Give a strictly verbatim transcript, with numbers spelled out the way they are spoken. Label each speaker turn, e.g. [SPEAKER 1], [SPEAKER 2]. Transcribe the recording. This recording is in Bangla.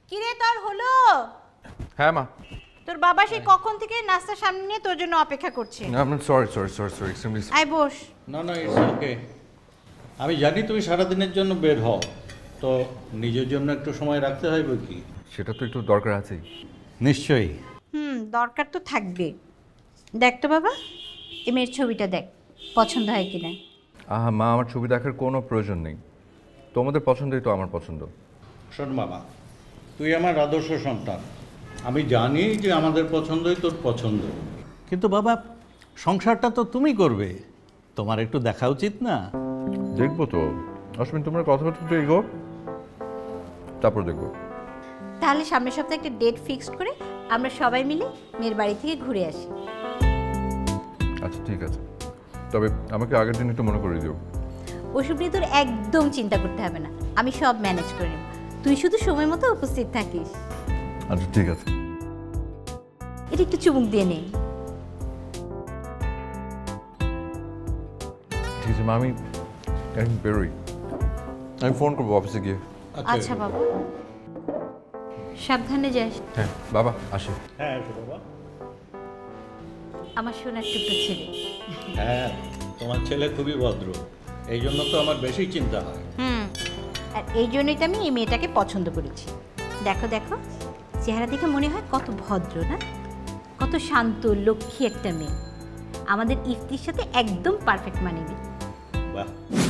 [SPEAKER 1] কিরে তোর হলো?
[SPEAKER 2] হ্যাঁ মা।
[SPEAKER 1] তোর বাবা সেই কখন থেকে নাস্তা সামনে নিয়ে তোর জন্য অপেক্ষা করছে।
[SPEAKER 2] আমি sorry sorry sorry sorry extremely
[SPEAKER 1] আয় বস।
[SPEAKER 3] না না ইটস ওকে। আমি জানি তুমি সারাদিনের জন্য বের হও, তো নিজের জন্য একটু সময় রাখতে হয় বই কি।
[SPEAKER 2] সেটা তো একটু দরকার আছেই।
[SPEAKER 3] নিশ্চয়ই।
[SPEAKER 1] হুম, দরকার তো থাকবে। দেখ তো বাবা, এই মেয়ের ছবিটা দেখ, পছন্দ হয় কিনা।
[SPEAKER 2] আহা মা, আমার ছবি দেখার কোনো প্রয়োজন নেই, তোমাদের পছন্দই তো আমার পছন্দ।
[SPEAKER 3] শোন বাবা, তুই আমার আদর্শ সন্তান। আমি জানি যে আমাদের পছন্দই তোর পছন্দ, কিন্তু বাবা সংসারটা তো তুমি করবে, তোমার একটু দেখা উচিত না?
[SPEAKER 2] দেখবো তো অশ্বিন, তোমরা কথাবার্তা তো এগো, তারপর দেখবো।
[SPEAKER 1] তাহলে সামনের সপ্তাহে একটা ডেট ফিক্সড করে আমরা সবাই মিলে মেয়ের বাড়ি থেকে ঘুরে আসি।
[SPEAKER 2] আচ্ছা ঠিক আছে, তবে আমাকে আগের দিন একটু মনে করে দিও।
[SPEAKER 1] ওসব নিয়ে তোর একদম চিন্তা করতে হবে না, আমি সব ম্যানেজ করে নেব। তুই শুধু সময় মতো উপস্থিত থাকিস।
[SPEAKER 2] আচ্ছা ঠিক আছে।
[SPEAKER 1] এটা একটু চুমুক দিয়ে নে।
[SPEAKER 2] ঠিক আছে মা, আমি এখন বেরোই, আমি ফোন করবো অফিসে গিয়ে।
[SPEAKER 1] আচ্ছা বাবা, সাবধানে যাস।
[SPEAKER 2] হ্যাঁ বাবা, আসি।
[SPEAKER 3] হ্যাঁ এসো বাবা।
[SPEAKER 1] আমার সোনার টুকরো ছেলে।
[SPEAKER 3] হ্যাঁ, তোমার ছেলে খুবই ভদ্র, এই জন্য তো আমার বেশি চিন্তা হয়।
[SPEAKER 1] হুম, আর এই জন্যই তো আমি এই মেয়েটাকে পছন্দ করেছি। দেখো দেখো, চেহারা দেখে মনে হয় কত ভদ্র না, কত শান্ত লক্ষ্মী একটা মেয়ে। আমাদের ইফতির সাথে একদম পারফেক্ট মানিয়ে।
[SPEAKER 3] বাহ।